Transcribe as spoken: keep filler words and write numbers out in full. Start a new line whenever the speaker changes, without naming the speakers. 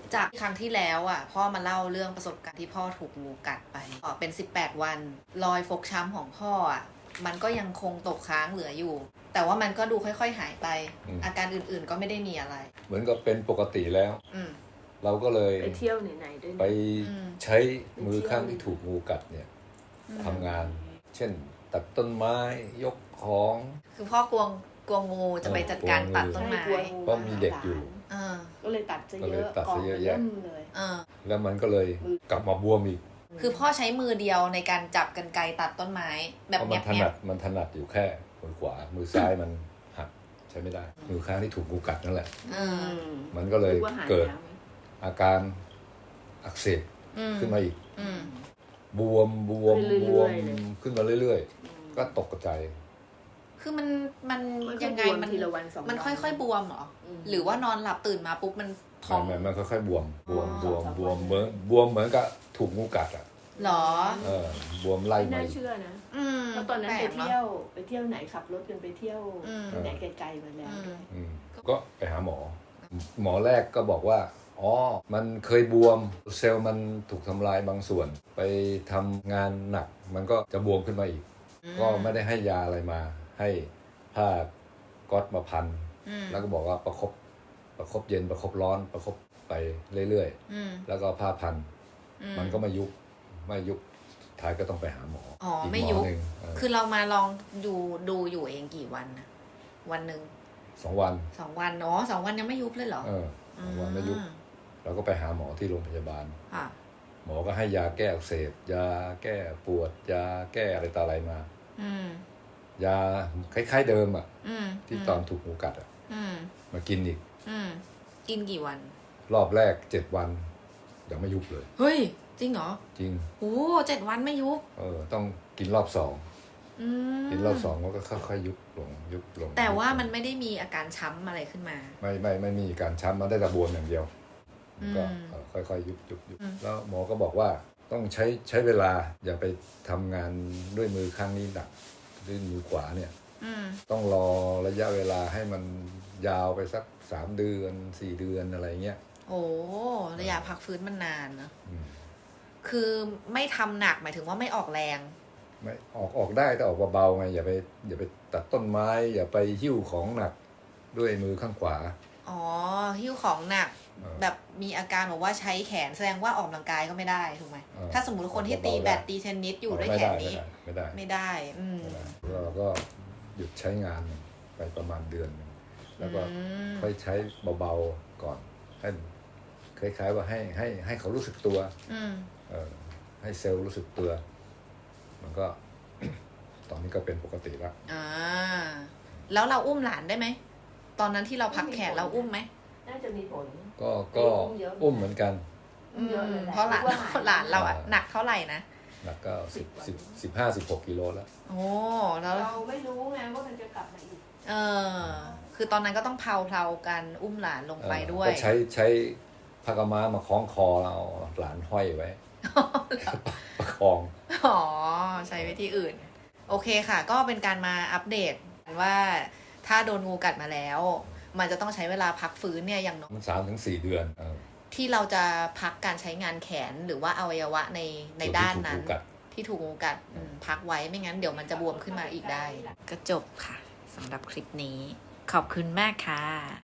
จากครั้งที่แล้วอ่ะพ่อมาเล่าเรื่องประสบการณ์ที่พ่อถูกงูกัดไปอ๋อเป็นสิบแปดวันรอยฟกช้ำของพ่ออ่ะมันก็ยังคงตกค้างเหลืออยู่ แต่ว่ามันก็ดูค่อยๆหายไป อาการอื่นๆก็ไม่ได้มีอะไร
เหมือนกับเป็นปกติแล้วเราก็เลย
ไปเที่ยวไหนๆด้วย
ไปใช้มือข้างที่ถูกงูกัดเนี่ยทำงานเช่นตัดต้นไม้ยกของ
คือพ่อกลัวกลัวงูจะไปจัดการตัดต้นไม้
เพราะมีเด็กอยู่
ก็เลยตัดซะเยอะ
ตัดซะเยอะแยะ
เลย
แล้วมันก็เลยกลับมาบวมอีก
คือพ่อใช้มือเดียวในการจับกรรไกรตัดต้นไม้แบบ
เนี้ยมันถนัดมันถนัดอยู่แค่มือขวามือซ้ายมันหักใช้ไม่ได้มือข้างที่ถูกงูกัดนั่นแหละมันก็เลยเกิดอาการอักเสบขึ้นมาอีกบวมบวมบวมขึ้นมาเรื่อยๆก็ตกใจ
คือมันมันยังไงมันมันค่อยๆบวมเหรอหรือว่านอนหลับตื่นมาปุ๊บมัน
พองมันค่อยๆบวมบวมบวมบวมเหมือนบวมเหมือนกับถูกงูกัดอ่ะ
หรอ
เออบวมไล่
ไม่น่าเชื่อนะเพราะตอนนั้นไปเที่ยวไปเที่ยวไหนขับรถกันไปเที่ยวไหนไกลๆมาแล้ว
ก็ไปหาหมอหมอแรกก็บอกว่าอ๋อมันเคยบวมเซลล์มันถูกทำลายบางส่วนไปทำงานหนักมันก็จะบวมขึ้นมาอีกก็ไม่ได้ให้ยาอะไรมาให้ผ้าก๊อตมาพันแล้วก็บอกว่าประคบประคบเย็นประคบร้อนประคบไปเรื่อยๆแล้วก็ผ้าพันมันก็ไม่ยุบไม่ยุบท้ายก็ต้องไปหาหมอ
อ๋อไม่ยุบคือเรามาลองดูดูอยู่เองกี่วันนะวันหนึ่ง
สองวัน
สองวันเนาะสองวันยังไม่ยุบเลยเหรอ
เออสองวันไม่ยุบเราก็ไปหาหมอที่โรงพยาบาลหมอก็ให้ยาแก้อักเสบยาแก้ปวดยาแก้อะไรต่ออะไรมายาคล้ายๆเดิมอ่ะที่ตอนถูกงูกัดอ่ะมากินอีก
กินกี่วัน
รอบแรกเจ็ดวันยังไม่ยุบเลย
เฮ้ยจริงเหรอ
จริง
โอ้เจ็ดวันไม่ยุบ
เออต้องกินรอบสองกินรอบสองก็ค่อยๆยุบลงยุบลง
แต่ว่ามันไม่ได้มีอาการช้ำอะไรขึ้นมา
ไม่ไม่ไม่มีการช้ำมันได้แต่บวมอย่างเดียวก็ค่อยๆยุบยุบยุบแล้วหมอก็บอกว่าต้องใช้ใช้เวลาอย่าไปทำงานด้วยมือข้างนี้หนักด้วยมือขวาเนี่ยต้องรอระยะเวลาให้มันยาวไปสักสามเดือนสี่เดือนอะไรเงี้ย
โอ้ระยะพักฟื้นมันนานนะคือไม่ทำหนักหมายถึงว่าไม่ออกแรง
ไม่ออกออกได้แต่ออกเบาๆไงอย่าไปอย่าไปตัดต้นไม้อย่าไปหิ้วของหนักด้วยมือข้างขวา
อ๋อหิ้วของหนักแบบมีอาการบอกว่าใช้แขนแสดงว่าออกกำลังกายก็ไม่ได้ถูกไหมถ้าสมมติคนที่ตีแบดตีเทนนิสอยู่ด้วยแขนนี้
ไม่ได้
ไม่ได้อืม
เราก็หยุดใช้งานไปประมาณเดือนนึงแล้วก็ค่อยใช้เบาๆก่อนให้คล้ายๆว่าให้ให้ให้เขารู้สึกตัวเออให้เซลล์รู้สึกตัวมันก็ ตอนนี้ก็เป็นปกติแล้ว
อ่าแล้วเราอุ้มหลานได้ไหมตอนนั้นที่เราพักแขนเราอุ้มไหม
น่าจะมีผล
ก็ก็อุ้มเหมือนกัน
เพราะหลานหลานเราอ่ะหนักเท่าไหร่นะ
หนักก็สิบสิบสิบห้าสิบหกกิโลแล้ว
โอ้แล้ว
เราไม่รู้ไงว่ามันจะกลับมาอีก
เออคือตอนนั้นก็ต้องเพลาเพลากันอุ้มหลานลงไปด้วย
ก็ใช้ใช้ผ้ากำม้ามาคล้องคอเราหลานห้อยไว้ประคอง
อ๋อใช้วิธีอื่นโอเคค่ะก็เป็นการมาอัปเดตว่าถ้าโดนงูกัดมาแล้วมันจะต้องใช้เวลาพักฟื้นเนี่ยอย่างน้อย
สามถึงสี่เดือน
ที่เราจะพักการใช้งานแขนหรือว่าอวัยวะในในด้านนั้นที่ถูกงูกัดพักไว้ไม่งั้นเดี๋ยวมันจะบวมขึ้นมาอีกได้ก็จบค่ะสำหรับคลิปนี้ขอบคุณมากค่ะ